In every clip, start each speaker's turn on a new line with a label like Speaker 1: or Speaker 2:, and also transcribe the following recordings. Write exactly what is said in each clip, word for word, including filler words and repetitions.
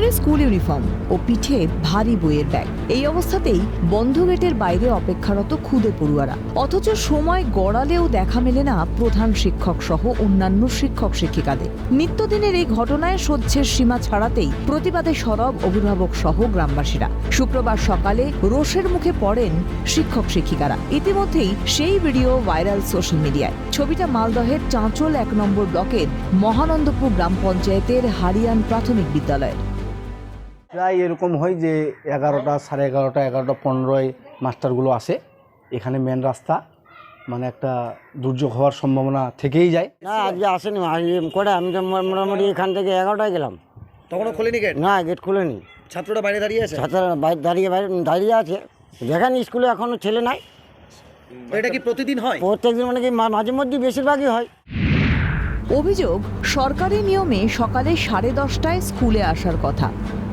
Speaker 1: School uniform ও পিঠে ভারী বইয়ের ব্যাগ। এই অবস্থাতেই বন্ধ গেটের বাইরে অপেক্ষারত খুদে পড়ুয়ারা। অথচ সময় গড়ালেও দেখা মেলে না প্রধান শিক্ষক সহ অন্যান্য শিক্ষক শিক্ষিকাদের। নিত্যদিনের এই ঘটনায় সহ্যের সীমা ছাড়াতেই প্রতিবাদে সরব অভিভাবক সহ গ্রামবাসীরা। শুক্রবার সকালে রোষের মুখে পড়েন শিক্ষক শিক্ষিকারা। ইতিমধ্যেই সেই ভিডিও ভাইরাল সোশ্যাল মিডিয়ায়। ছবিটা মালদহের চাঁচল এক নম্বর ব্লকের মহানন্দপুর গ্রাম পঞ্চায়েতের হারিয়ান প্রাথমিক বিদ্যালয়।
Speaker 2: প্রায় এরকম হয় যে এগারোটা সাড়ে এগারোটা এগারোটা পনেরোয় মাস্টারগুলো আসে। এখানে মেন রাস্তা, মানে একটা দুর্যোগ হওয়ার সম্ভাবনা থেকেই যায়।
Speaker 3: না, আজকে আসেনি করে। আমি তো মোটামুটি এখান থেকে এগারোটায় গেলাম,
Speaker 4: তখনও খোলেনি গেট?
Speaker 3: না, গেট খুলেনি।
Speaker 4: ছাত্ররা বাইরে দাঁড়িয়ে আছে?
Speaker 3: ছাত্ররা বাইরে দাঁড়িয়ে বাইরে দাঁড়িয়ে আছে। যেখানে স্কুলে এখনো ছেলে নাই।
Speaker 4: এটা কি প্রতিদিন হয়?
Speaker 3: প্রত্যেকদিন, মানে কি মাঝে মধ্যে বেশিরভাগই হয়।
Speaker 1: অভিযোগ, সরকারি নিয়মে সকালে সাড়ে দশটায় স্কুলে আসার কথা,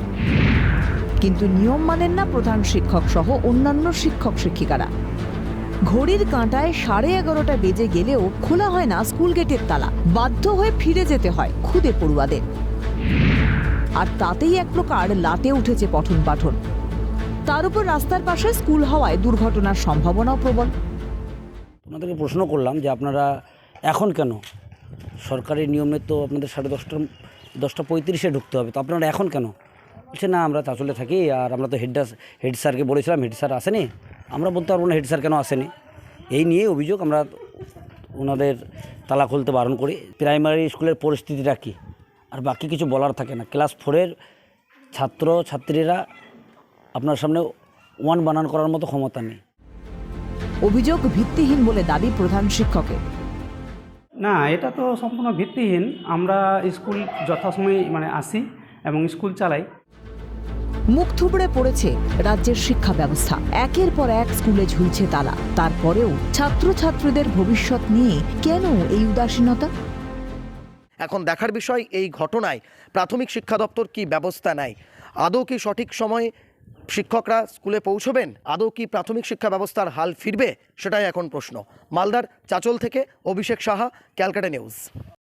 Speaker 1: কিন্তু নিয়ম মানেন না প্রধান শিক্ষক সহ অন্যান্য শিক্ষক শিক্ষিকারা। ঘড়ির কাঁটায় সাড়ে এগারোটা বেজে গেলেও খোলা হয় না স্কুল গেটের তালা। বাধ্য হয়ে ফিরে যেতে হয় খুদে পড়ুয়াদের। আর তাতেই এক প্রকার লাটে উঠেছে পঠন পাঠন। তার উপর রাস্তার পাশে স্কুল হওয়ায় দুর্ঘটনার সম্ভাবনাও প্রবল।
Speaker 5: আপনাদেরকে প্রশ্ন করলাম যে আপনারা এখন কেন, সরকারি নিয়মে তো আপনাদের সাড়ে দশটা দশটা পঁয়ত্রিশে ঢুকতে হবে, তো আপনারা এখন কেন? বলছে না, আমরা চাঁচলে থাকি আর আমরা তো হেড হেড স্যারকে বলেছিলাম, হেড স্যার আসেনি, আমরা বলতে পারবো না হেড স্যার কেন আসেনি। এই নিয়ে অভিযোগ। আমরা ওনাদের তালা খুলতে বারণ করি। প্রাইমারি স্কুলের পরিস্থিতিটা কী আর বাকি কিছু বলার থাকে না। ক্লাস ফোরের ছাত্র ছাত্রীরা আপনার সামনে ওয়ান বানান করার মতো ক্ষমতা নেই।
Speaker 1: অভিযোগ ভিত্তিহীন বলে দাবি প্রধান শিক্ষকের।
Speaker 6: না, এটা তো সম্পূর্ণ ভিত্তিহীন। আমরা স্কুল যথাসময়ে মানে আসি এবং স্কুল চালাই।
Speaker 1: মুখ থুবড়ে পড়েছে রাজ্যের শিক্ষা ব্যবস্থা। একের পর এক স্কুলে ঝুলছে তালা। তারপরেও ছাত্রছাত্রীদের ভবিষ্যৎ নিয়ে কেন এই উদাসীনতা?
Speaker 4: এখন দেখার বিষয় এই ঘটনায় প্রাথমিক শিক্ষা দপ্তর কি ব্যবস্থা নেয়। আদৌ কি সঠিক সময়ে শিক্ষকরা স্কুলে পৌঁছবেন? আদৌ কি প্রাথমিক শিক্ষা ব্যবস্থার হাল ফিরবে? সেটাই এখন প্রশ্ন। মালদার চাঁচল থেকে অভিষেক সাহা, ক্যালকাটা নিউজ।